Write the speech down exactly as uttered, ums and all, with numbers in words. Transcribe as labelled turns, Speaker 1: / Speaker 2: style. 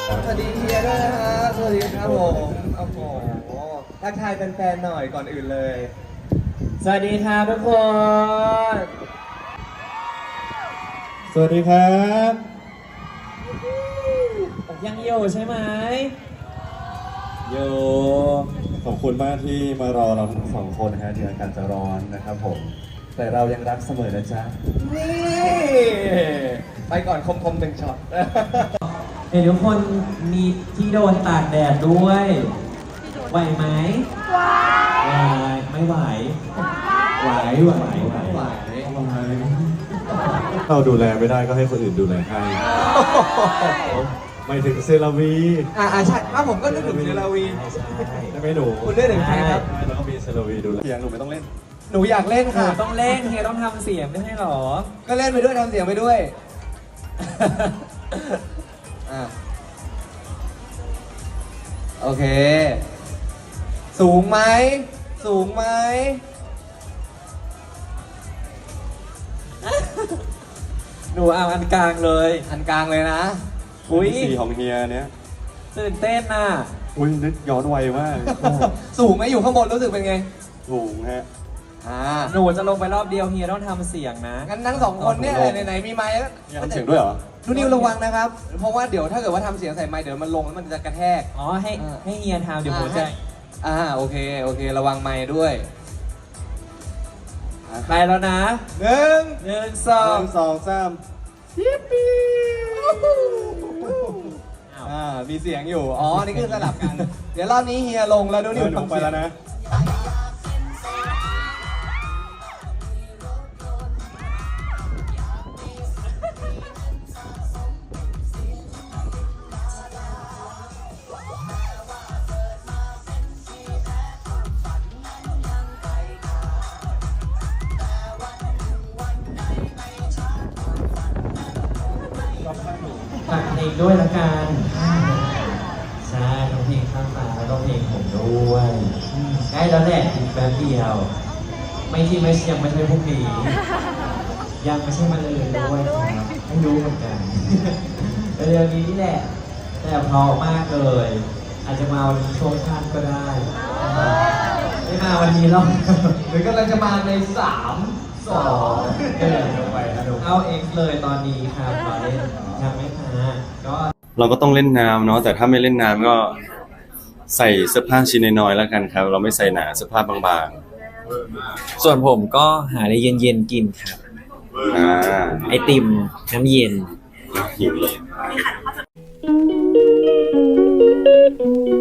Speaker 1: สวัสดีเฮียด้วยนะฮะสวัสดีครับผมโอ้โหทักทายแฟนๆหน่อยก่อนอื่นเลยสวัสดีครับทุกคน
Speaker 2: สวัสดีครับ
Speaker 1: ยังอยู่ใช่ไหมอยู่
Speaker 2: ขอบคุณมากที่มารอเราทั้งสองคนนะฮะที่อากาศจะร้อนนะครับผม แต่เรายังรักเสมอนะจ๊ะ
Speaker 1: นี่ไปก่อนคมๆหนึ่งช็อต
Speaker 3: เห็นทุกคนมีที่โดนตากแดดด้วยไหวไหมไหวไม่ไหวไหวไหวไหวไหว
Speaker 2: เราดูแลไม่ได้ก็ให้คนอื่นดูแลให้หมายถึงเซราวี
Speaker 1: อ่าใช่อ้าวผมก็นึกถึงเซราวี
Speaker 2: ใช่ไหมหนู
Speaker 1: คุณเล่นถึงใครครับ
Speaker 2: แล้วก็มีเซราวีดูแลเสียงหนูไม่ต้องเล่น
Speaker 1: หนูอยากเล่น
Speaker 3: หนู
Speaker 1: ค่ะ
Speaker 3: ต้องเล่นเฮียต้องทำเสียงไม่ใช่หรอ
Speaker 1: ก็เล่นไปด้วยทำเสียงไปด้วยอ่ะโอเค สูงไหมสูงไหม
Speaker 3: หนูเอาอันกลางเลย
Speaker 1: อันกลางเลยนะ
Speaker 3: อุ้ย
Speaker 2: สีของเฮียเนี้ย
Speaker 3: ตื่นเต้นน่ะ
Speaker 2: อุ้ยนึกย้อนวัยมาก
Speaker 1: สูงไหมอยู่ข้างบนรู้สึกเป็นไง
Speaker 2: ถูกฮะ
Speaker 1: อ่า
Speaker 3: หนูจะลงไปรอบเดียวเฮียต้องทำเสียงนะ
Speaker 1: งั้นทั้งสองคนเนี่ยไหนๆมีไมค์แล้ว
Speaker 2: เฮียทำเสียงด้วยเหรอ
Speaker 1: ทุนิวระวังนะครับ เพราะว่าเดี๋ยวถ้าเกิดว่าทำเสียงใส่ไมค์เดี๋ยวมันลงแล้วมันจะกระแทก
Speaker 3: อ๋อให้
Speaker 1: อ่า
Speaker 3: ให้เฮียทำเดี๋ยวผมจะ
Speaker 1: อ่าโอเคโอเค ระวังไมค์ด้วย
Speaker 3: ไปแล้วนะ
Speaker 1: หนึ่ง
Speaker 3: หนึ่งส
Speaker 2: ส
Speaker 3: อ
Speaker 2: อง งสองสาม
Speaker 1: ยิปปี้
Speaker 3: อ้าว
Speaker 1: อ่ามีเสียงอยู่ อ๋อ นี่คือสลับกัน เดี๋ยวรอบนี้เฮียลงแล้วดู
Speaker 2: เอ
Speaker 1: นิว
Speaker 2: อหนู
Speaker 1: ทำ
Speaker 2: ไป
Speaker 1: เสียง
Speaker 2: แล้วนะ
Speaker 3: ฝากเพลงด้วยละกันใช่ทั้งเพลงข้ามฟ้าแล้วก็เพลงผมด้วยใกล้แล้วแหละอีกแป๊บเดียว ไม่ที่ไม่ยังไม่ใช่พวกนี้ยังไม่ใช่มาเลยด้วยครับไม่รู้เหมือนกัน เร็วๆนี้นี่แหละ แต่เพราะมากเลย อาจจะมาวันนี้ช่วงชั้นก็ได้ไม่มาวันนี้หรอก
Speaker 1: หรือกำลังจะมาในสาม
Speaker 3: สองเออเอาเองเลยตอนนี้ครับมาเล่นยังไม่มาก็
Speaker 2: เราก็ต้องเล่นน้ำเนาะแต่ถ้าไม่เล่นน้ำก็ใส่เสื้อผ้าชิ้นน้อยๆแล้วกันครับ เราไม่ใส่หนาเสื้อผ้าบาง
Speaker 3: ส่วนผมก็หาอะไรเย็นๆกินครับ
Speaker 2: ๆอ่า
Speaker 3: ไอติมน้ำเย็น
Speaker 2: หิวเลย
Speaker 4: Thank you.